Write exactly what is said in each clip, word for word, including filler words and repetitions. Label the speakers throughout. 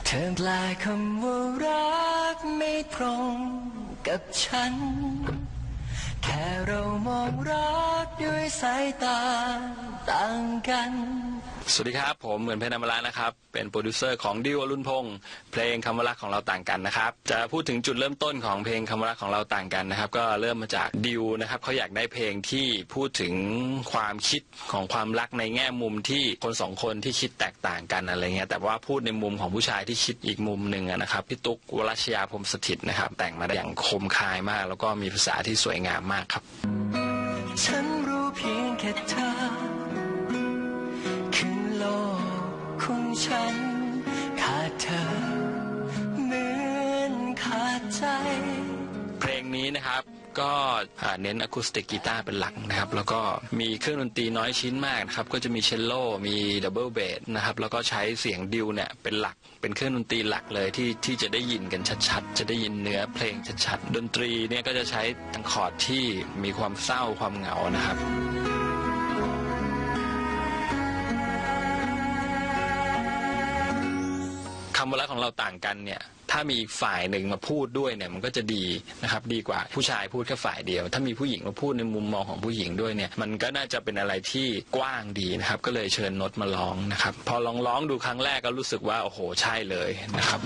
Speaker 1: เธอแปลคำว่ารักไม่ตรงกับฉันแค่เรามองรักด้วยสายตาต่างกัน
Speaker 2: สวัสดีครับผมเหมือนเพชรอมรานะครับเป็นโปรดิวเซอร์ของดิวอรุณพงษ์เพลงคำว่ารักของเราต่างกันนะครับจะพูดถึงจุดเริ่มต้นของเพลงคำว่ารักของเราต่างกันนะครับก็เริ่มมาจากดิวนะครับเขาอยากได้เพลงที่พูดถึงความคิดของความรักในแง่มุมที่คนสองคนที่คิดแตกต่างกันอะไรเงี้ยแต่ว่าพูดในมุมของผู้ชายที่คิดอีกมุมหนึ่งนะครับพี่ตุ๊กวรัชยาพรหมสถิตนะครับแต่งมาได้อย่างคมคายมากแล้วก็มีภาษาที่สวยงามมากครับ
Speaker 1: ฉันรู้เพียงแค่เธอคือโลกของฉันขาดเธอเหมือนขาดใจ
Speaker 2: เพลงนี้นะครับก็เน้นอะคูสติกกีตาร์เป็นหลักนะครับแล้วก็มีเครื่องดนตรีน้อยชิ้นมากนะครับก็จะมีเชลโลมีดับเบิลเบสนะครับแล้วก็ใช้เสียงดิวเนี่ยเป็นหลักเป็นเครื่องดนตรีหลักเลยที่ที่จะได้ยินกันชัดๆจะได้ยินเนื้อเพลงชัดๆดนตรีเนี่ยก็จะใช้ทั้งคอร์ดที่มีความเศร้าความเหงานะครับคำว่ารักของเราต่างกันเนี่ยถ้ามีอีกฝ่ายหนึ่งมาพูดด้วยเนี่ยมันก็จะดีนะครับดีกว่าผู้ชายพูดแค่ฝ่ายเดียวถ้ามีผู้หญิงมาพูดในมุมมองของผู้หญิงด้วยเนี่ยมันก็น่าจะเป็นอะไรที่กว้างดีนะครับก็เลยเชิญนดมาร้องนะครับพอลองร้องดูครั้งแรกก็รู้สึกว่าโอ้โหใช่เลยนะครับ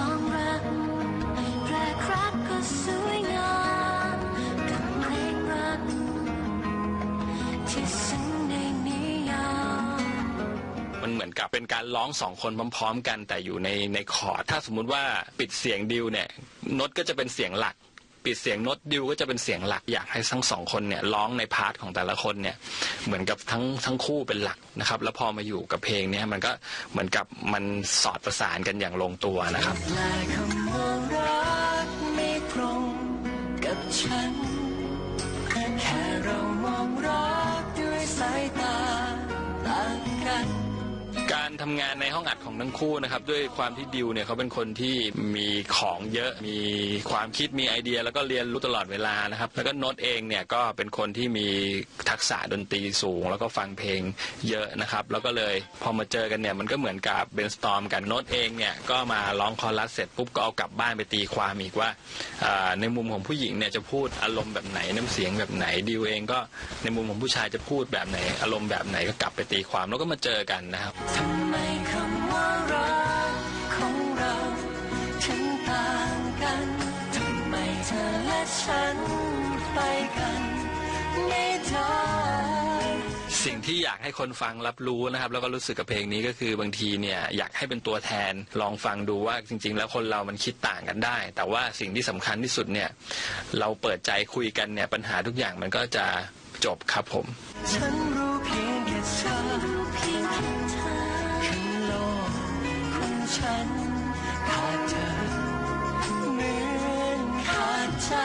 Speaker 2: มันเหมือนกับเป็นการร้องสองคนพร้อมๆกันแต่อยู่ในในคอร์ดถ้าสมมุติว่าปิดเสียงดิวเนี่ยโน้ตก็จะเป็นเสียงหลักปิดเสียงโน้ตดิวก็จะเป็นเสียงหลักอยากให้ทั้งสองคนเนี่ยร้องในพาร์ทของแต่ละคนเนี่ยเหมือนกับทั้งทั้งคู่เป็นหลักนะครับแล้วพอมาอยู่กับเพลงนี้มันก็เหมือนกับมันสอดประสานกันอย่างลงตัวนะครับ
Speaker 1: คำว่ารักไม่ตรงกับฉันแค่เรามองรักด้วยสายตาต่างกัน
Speaker 2: การทำงานในห้องอัดของทั้งคู่นะครับด้วยความที่ดิวเนี่ยเขาเป็นคนที่มีของเยอะมีความคิดมีไอเดียแล้วก็เรียนรู้ตลอดเวลานะครับแล้วก็โน้ตเองเนี่ยก็เป็นคนที่มีทักษะดนตรีสูงแล้วก็ฟังเพลงเยอะนะครับแล้วก็เลยพอมาเจอกันเนี่ยมันก็เหมือนกับเบรนสตอร์มกันโน้ตเองเนี่ยก็มาร้องคอรัสเสร็จปุ๊บก็เอากลับบ้านไปตีความอีกว่าในมุมของผู้หญิงเนี่ยจะพูดอารมณ์แบบไหนน้ำเสียงแบบไหนดิวเองก็ในมุมของผู้ชายจะพูดแบบไหนอารมณ์แบบไหนก็กลับไปตีความแล้วก็มาเจอกันนะครับ
Speaker 1: ทำไมคำว่ารักของเราถึงต่างกันทำไมเธอและฉันไปกันไม่ได้
Speaker 2: สิ่งที่อยากให้คนฟังรับรู้นะครับแล้วก็รู้สึกกับเพลงนี้ก็คือบางทีเนี่ยอยากให้เป็นตัวแทนลองฟังดูว่าจริงๆแล้วคนเรามันคิดต่างกันได้แต่ว่าสิ่งที่สำคัญที่สุดเนี่ยเราเปิดใจคุยกันเนี่ยปัญหาทุกอย่างมันก็จะจบครับผม
Speaker 1: ฉันรู้เพียงแค่เธอคือโลกของฉันขาดเธอเหมือนขาดใจ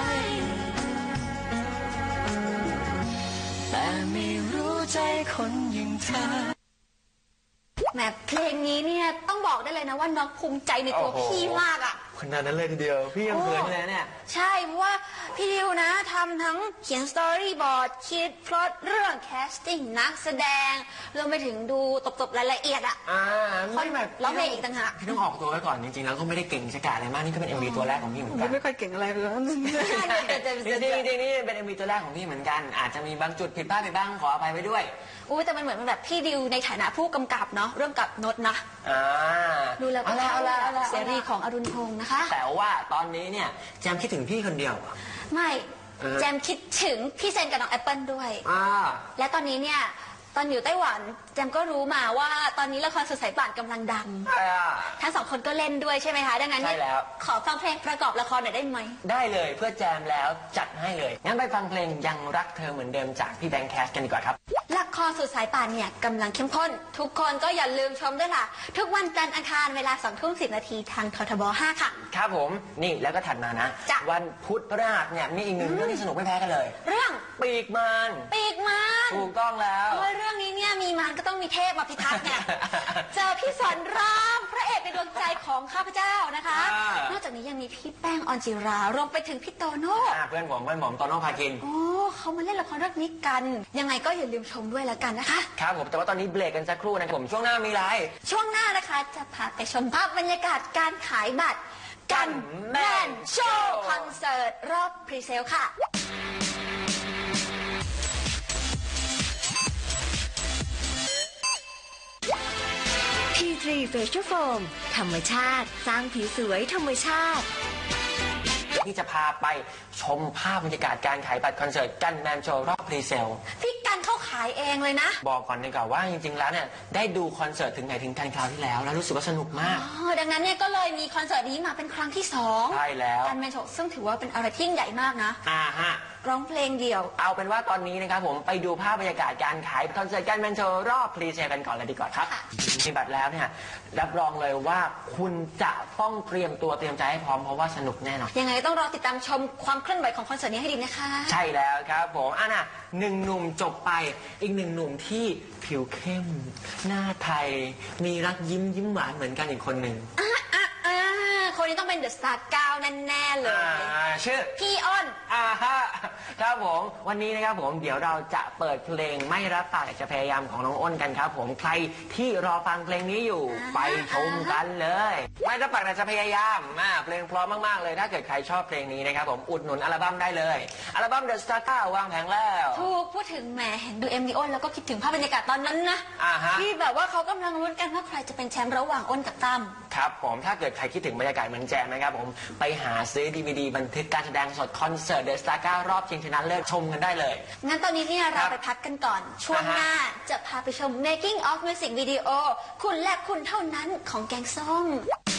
Speaker 1: แต่ไม่รู้ใจคนอย่างเธอ
Speaker 3: แหมเพลงนี้เนี่ยต้องบอกได้เลยนะว่าน้องภูมิใจในตัวพี่มากอ่ะ
Speaker 4: ขนาดนั้นเลยทีเดียวพี่ยังเขินเลยเนี่ย
Speaker 3: ใช่เพราะว่าพี่ดิวนะทำทั้งเขียนสตอรี่บอร์ดคิดพล็อตเรื่องแคสติ้งนักแสดงรวมไปถึงดูตบๆรายละเอียดอ่ะ
Speaker 4: อ่าไม่แบบ
Speaker 3: ร้องเพลงอีกต่างหาก
Speaker 4: พี่ต้องออกตัวไว้ก่อนจริงๆแล้วก็ไม่ได้เก่งชะกาจอะไรมากนี่ก็เป็น เอ็ม วี ตัวแรกของพี่เหมือนกัน
Speaker 5: ไม่ค่อยเก่งอะไรเลย
Speaker 4: จริงๆจริงๆนี่เป็น เอ็ม วี ตัวแรกของพี่เหมือนกันอาจจะมีบางจุดผิดพลาดไปบ้างขออภัยไว้ด้วย
Speaker 3: อู้แต่มันเหมือนแบบพี่ดิวในฐานะผู้กำกับเนาะเรื่องกับโน้ตนะดูแล้วก็เสรีของอรุณพงษ์นะคะ
Speaker 4: แต่ว่าตอนนี้เนี่ยแจมคิดถึงพี่คนเดียว
Speaker 3: ไม่แจมคิดถึงพี่เซนกับน้องแอปเปิลด้วยและตอนนี้เนี่ยตอนอยู่ไต้หวันแจมก็รู้มาว่าตอนนี้ละครสดใสป่านกำลังดังทั้งสองคนก็เล่นด้วยใช่ไหมคะดังนั้นขอฟังเพลงประกอบละครหน่อยได้ไหม
Speaker 4: ได้เลยเพื่อแจมแล้วจัดให้เลยงั้นไปฟังเพลงยังรักเธอเหมือนเดิมจากพี่แบงค์แคสกันดีกว่าครับ
Speaker 3: ละครสุดสายป่านเนี่ยกำลังเข้มข้นทุกคนก็อย่าลืมชมด้วยล่ะทุกวันจันทร์อังคารเวลาสองทุ่มสิบนาทีทางททบห้าค่ะ
Speaker 4: ครับผมนี่แล้วก็ถัดมานะวันพุธพฤหัสเนี่ยมีอีกหนึ่งเรื่องที่สนุกไม่แพ้กันเลย
Speaker 3: เรื่อง
Speaker 4: ปีกมาร
Speaker 3: ปีกมาร
Speaker 4: ถูกต้องแล้ว
Speaker 3: เพราะว่าเรื่องนี้เนี่ยมีมารก็ต้องมีเทพมาพิทักษ์เนี่ย เจอพี่สอนรามพระเอกในดวงใจของข้าพเจ้านะคะ
Speaker 4: อ่าน
Speaker 3: อกจากนี้ยังมีพี่แป้งออนจิรารวมไปถึงพี่โตโน่
Speaker 4: อ่าเพื่อนผมเพื่อนผมโตโน่พาคิน
Speaker 3: โอ้เขามาเล่นละครเรื่องนี้กัน ยังไงก็อย่าลืมชมด้วยแล้วกันนะคะ
Speaker 4: ครับผมแต่ว่าตอนนี้เบรกกันสักครู่นะครับผมช่วงหน้ามีอะไร
Speaker 3: ช่วงหน้านะคะจะพาไปชมภาพบรรยากาศการขายบัตรกันแมนโชว์คอนเสิร์ตรอบพรีเซลค่ะ
Speaker 5: พี ทรี Facial Foam ธรรมชาติสร้างผิวสวยธรรมชาติ
Speaker 4: ที่จะพาไปชมภาพบรรยากาศการขายบัตรคอนเสิร์ตกันแมนโชว์รอบพรีเซล
Speaker 3: พี่กันเข้าขายเองเลยนะ
Speaker 4: บอกก่อนดีกว่าว่าจริงๆแล้วเนี่ยได้ดูคอนเสิร์ตถึงไหนถึงกันคราวที่แล้วแล้วรู้สึกว่าสนุกมาก
Speaker 3: อ๋อดังนั้นเนี่ยก็เลยมีคอนเสิร์ตนี้มาเป็นครั้งที่สอง
Speaker 4: ใช่แล้ว
Speaker 3: การแมนโชว์ซึ่งถือว่าเป็นอะไรที่ยิ่งใหญ่มากนะ
Speaker 4: อ่าฮะ
Speaker 3: ร้องเพลงเดี่ยว
Speaker 4: เอาเป็นว่าตอนนี้นะครับผมไปดูภาพบรรยากาศการขายคอนเสิร์ตกันแมนโชว์รอบพรีเซลกันก่อนเลยดีกว่าครับ
Speaker 3: ค่ะ
Speaker 4: มีบัตรแล้วเนี่ยรับรองเลยว่าคุณจะต้องเตรียมตัวเตรียมใจให้พร้อมเพราะว่าสนุกแน่นอน
Speaker 3: ยังไงต้องรอติดตามชมความเคลื่อนไหวของคอนเสิร์ตนี้ให้ดีนะคะ
Speaker 4: ใช่แล้วครับผมอ่ะนะหนึ่งหนุ่มจบไปอีกหนึ่งหนุ่มที่ผิวเข้ม หน้าไทย มีรักยิ้มยิ้มหวานเหมือนกันอีกคนหนึ่ง
Speaker 3: อ่ะอ่ะอ่ะคนนี้ต้องเป็นเดอะสตาร์เก้าแน่ๆเลย
Speaker 4: อ่าชื่อ
Speaker 3: พี่อ้อน
Speaker 4: อ่าฮะครับผมวันนี้นะครับผมเดี๋ยวเราจะเปิดเพลงไม่รับปากแต่จะพยายามของน้องอ้นกันครับผมใครที่รอฟังเพลงนี้อยู่
Speaker 3: อ่า
Speaker 4: ไปชมกันเลย ไม่รับปากแต่จะพยายามมาเพลงเพราะมากๆเลยถ้าเกิดใครชอบเพลงนี้นะครับผมอุดหนุนอัลบั้มได้เลยอัลบั้ม The Star เก้าวางแผงแล้ว
Speaker 3: ถูกพูดถึงแหมเห็นดูเอ็มดีอ้นแล้วก็คิดถึงภาพบรรยากาศตอนนั้นนะ
Speaker 4: อ่าฮะ
Speaker 3: ที่แบบว่าเขากำลังลุ้นกันว่าใครจะเป็นแชมป์ระหว่างอ้นกับตั้ม
Speaker 4: ครับผมถ้าเกิดใครคิดถึงบรรยากาศเหมือนแจมนะครับผมไปหาซื้อดีวีดีบันทึกการแสดงสดคอนเสิร์ต The Star เก้ารอบชิงชนะเลิศชมกันได้เลย
Speaker 3: งั้นตอนนี้เนี่ย
Speaker 4: ค
Speaker 3: เรา
Speaker 4: รับ
Speaker 3: ไปพักกันก่อน ช่วง
Speaker 4: อ่าฮะ
Speaker 3: หน้าจะพาไปชม making of music video คุณและคุณเท่านั้นของแกงส้ม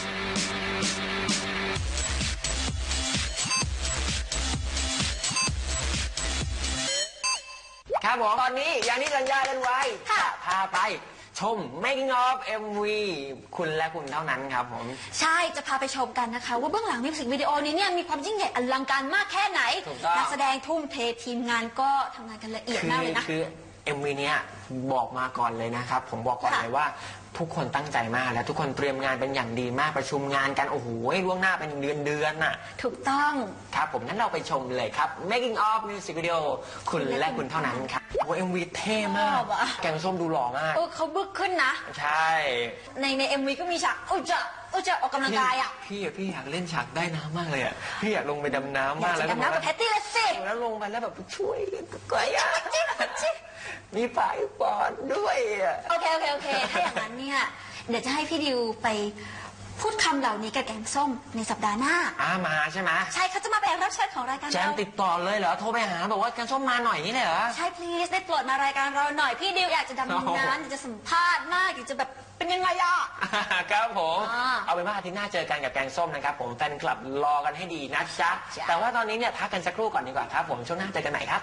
Speaker 4: ครับผมตอนนี้อย่างที่สัญญากันไว้
Speaker 3: ค่ะ
Speaker 4: จะพาไปชม making of เอ็ม วี คุณและคุณเท่านั้นครับผม
Speaker 3: ใช่จะพาไปชมกันนะคะ ว่าเบื้องหลังมิวสิกวิดีโอนี้เนี่ยมีความยิ่งใหญ่อลังการมากแค่ไหน
Speaker 4: ถูกต้อง
Speaker 3: นักแสดงทุ่มเททีมงานก็ทำงานกันละเอียด
Speaker 4: คือ
Speaker 3: มากเลยนะ
Speaker 4: คือ เอ็ม วี เนี้ยบอกมาก่อนเลยนะครับ ผมบอกก่อน
Speaker 3: ค่ะ
Speaker 4: เลยว่าทุกคนตั้งใจมากและทุกคนเตรียมงานเป็นอย่างดีมากประชุมงานกันโอ้โหล่วงหน้าเป็นเดือนเดือนน่ะ
Speaker 3: ถูกต้อง
Speaker 4: ครับผมงั้นเราไปชมเลยครับ making of music video คุณและคุณเท่านั้นครับโอ้ เอ็ม วี เท่มาก
Speaker 3: ชอบอะ
Speaker 4: แกงส้มดูหล่อมาก
Speaker 3: เออเขาบึกขึ้นนะ
Speaker 4: ใช่
Speaker 3: ในในเอ็มวีก็มีฉากอุจจะอุจจะออกกำลังกายอ่ะ
Speaker 4: พี่พี่อยากเล่นฉากได้น้ำมากเลยอ่ะพี่อยากลงไปดำน้ำ
Speaker 3: อยาม
Speaker 4: าก ก
Speaker 3: จะ
Speaker 4: แล้วก็
Speaker 3: ดำน้ำกับแพตตี้ละสิ
Speaker 4: แล้วลงไปแล้วแบบช่วยกวยอ่ะมีฝ่ายปอดด้วยอ่ะ
Speaker 3: โอเคโอเคโอเค ถ้าอย่างนั้นเนี่ย เดี๋ยวจะให้พี่ดิวไปพูดคำเหล่านี้กับแกงส้มในสัปดาห์หน้า
Speaker 4: อ่ามาใช่ไหม
Speaker 3: ใช่เขาจะมาเป็นรับเชิญของรายการ
Speaker 4: แจม
Speaker 3: เรา
Speaker 4: ติดต่อเลยเหรอโทรไปหาบอกว่าแกงส้มมาหน่อยนี่เลยเหรอ
Speaker 3: ใช่ please ได้โปรดมารายการเราหน่อย พี่ดิวอยากจะดำ
Speaker 4: โอ้โห
Speaker 3: น้ำอยากจะสัมภาษณ์มากอยากจะแบบเป็นยังไงอ่ะ
Speaker 4: ครับผม
Speaker 3: อ่า
Speaker 4: เอาเป็นว่าอาทิตย์หน้าเจอกันกับแกงส้มนะครับผมแฟนคลับรอกันให้ดีนะจ๊ะ
Speaker 3: จ้ะ
Speaker 4: แต่ว่าตอนนี้เนี่ยพักกันสักครู่ก่อนดีกว่าครับผมช่วงหน้าเจอกันใหม่ครับ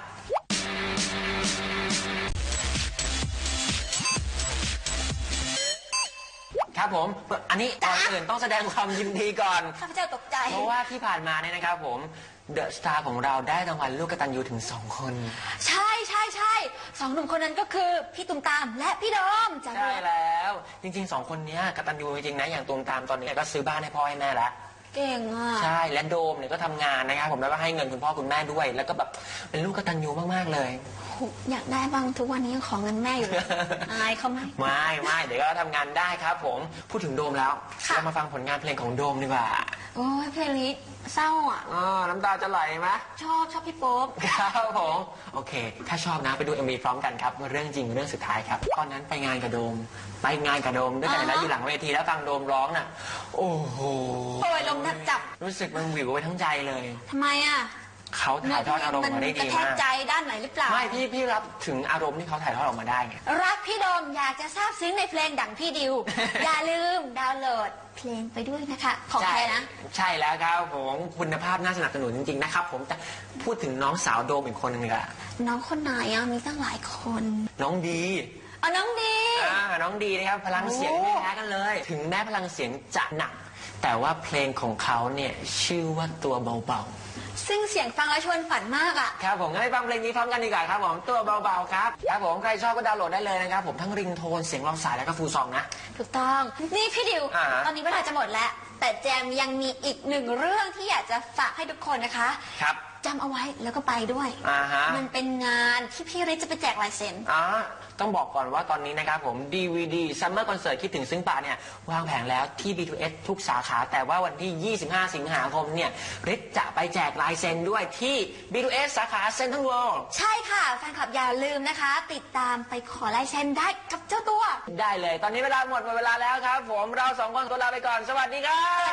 Speaker 4: ครับผมอันนี้ก่อนอื่นต้องแสดงความยินดีก่อน
Speaker 3: ข้าพเจ้าตกใจ
Speaker 4: เพราะว่าที่ผ่านมาเนี่ยนะครับผมเดอะสตาร์ของเราได้รางวัลลูกกตัญญูถึงสองคน
Speaker 3: ใช่ใช่ใช่สองหนุ่มคนนั้นก็คือพี่ตุ้มตามและพี่โดมจาก
Speaker 4: ใช่แล้ว จริงๆสองคนเนี้ยกตัญญูจริงๆนะอย่างตูมตามตอนนี้ก็ซื้อบ้านให้พ่อให้แม่แล้ว
Speaker 3: เก่งอ่ะ
Speaker 4: ใช่และโดมเนี่ยก็ทำงานนะครับผมแล้วก็ให้เงินคุณพ่อคุณแม่ด้วย แล้วก็แบบเป็นลูกกตัญญูมากๆเลย
Speaker 3: อยากได้บ้างทุกวันนี้ยังขอเงินแม่อยู่เลย อายเขาไหม
Speaker 4: ไม่ไม่เดี๋ยวก็ทำงานได้ครับผมพูดถึงโดมแล้ว
Speaker 3: ค่ะ
Speaker 4: เรามาฟังผลงานเพลงของโดมดีกว่า
Speaker 3: โอ้ยเพลงนี้เศร้าอ่ะ
Speaker 4: อ๋อน้ำตาจะไหลไหม
Speaker 3: ชอบชอบพี่โป๊ป
Speaker 4: ครับผมโอเค ถ้าชอบนะไปดู เอ็ม วี พร้อมกันครับเรื่องจริงเรื่องสุดท้ายครับตอนนั้นไปงานกับโดม ไปงานกับโดมด้วยกัน
Speaker 3: อ่าฮะ
Speaker 4: แล้วอยู่หลังเวทีแล้วฟังโดมร้องน่ะ โอ้โห
Speaker 3: โอ้ยลมแทบจับ
Speaker 4: รู้สึกมันวิวไปทั้งใจเลย
Speaker 3: ทำไมอ่ะ
Speaker 4: เขาถ่ายทอดอารมณ์มาได้
Speaker 3: ก
Speaker 4: ดี
Speaker 3: ระแทก
Speaker 4: มาก
Speaker 3: ใจด้านไหนหรือเปล่า
Speaker 4: ไม่พี่พี่รับถึงอารมณ์ที่เขาถ่ายทอดออกมาได้ไง
Speaker 3: รักพี่โดมอยากจะทราบซึ้งในเพลงดังพี่ ดิว อย่าลืมดาวน์โหลดเพลงไปด้วยนะคะ ของใครนะ
Speaker 4: ใช่แล้วครับผมคุณภาพน่าสนับสนุนจริงๆนะครับผมแต่พูดถึงน้องสาวโดมอีกคนหนึ่งเลยอะ
Speaker 3: น้องคนไหนอ่ะมีตั้งหลายคน
Speaker 4: น้องดี
Speaker 3: เอาน้องดี
Speaker 4: อ่าน้องดีนะครับพลังเสียง
Speaker 3: โอ้
Speaker 4: ไม่แพ้กันเลย ถึงแม้พลังเสียงจะหนัก แต่ว่าเพลงของเขาเนี่ยชื่อว่าตัวเบา
Speaker 3: ซึ่งเสียงฟังแล้วชวนฝันมากอ่ะ
Speaker 4: ครับผมงั้นไปฟังเพลงนี้พร้อมกันดีกว่าครับผมตัวเบาๆครับครับผมใครชอบก็ดาวน์โหลดได้เลยนะครับผมทั้งริงโทนเสียงรองสายแล้วก็ฟูลซองนะ
Speaker 3: ถูกต้อง นี่พี่ดิว
Speaker 4: อ่าฮะ
Speaker 3: ตอนนี้เวลาจะหมดแล้ว แต่แจมยังมีอีกหนึ่งเรื่องที่อยากจะฝากให้ทุกคนนะคะ
Speaker 4: ครับ
Speaker 3: จำเอาไว้แล้วก็ไปด้วย
Speaker 4: อ่าฮะ
Speaker 3: มันเป็นงานที่พี่ฤทธิ์จะไปแจกลายเซ็น
Speaker 4: อ่าต้องบอกก่อนว่าตอนนี้นะครับผม ดี วี ดี Summer Concert คิดถึงซึ้งป่าเนี่ยวางแผงแล้วที่ บี ทู เอส ทุกสาขา แต่ว่าวันที่ ยี่สิบห้า สิงหาคมเนี่ยฤทธิ์จะไปแจกลายเซ็นด้วยที่ บี ทู เอส สาขาเซ็นทรัลเวิลด์
Speaker 3: ใช่ค่ะ แฟนคลับอย่าลืมนะคะ ติดตามไปขอลายเซ็นได้กับเจ้าตัว
Speaker 4: ได้เลย ตอนนี้เวลาหมดหมดเวลาแล้วครับผมเราสองคนตัวลาไปก่อนสวัสดีครับ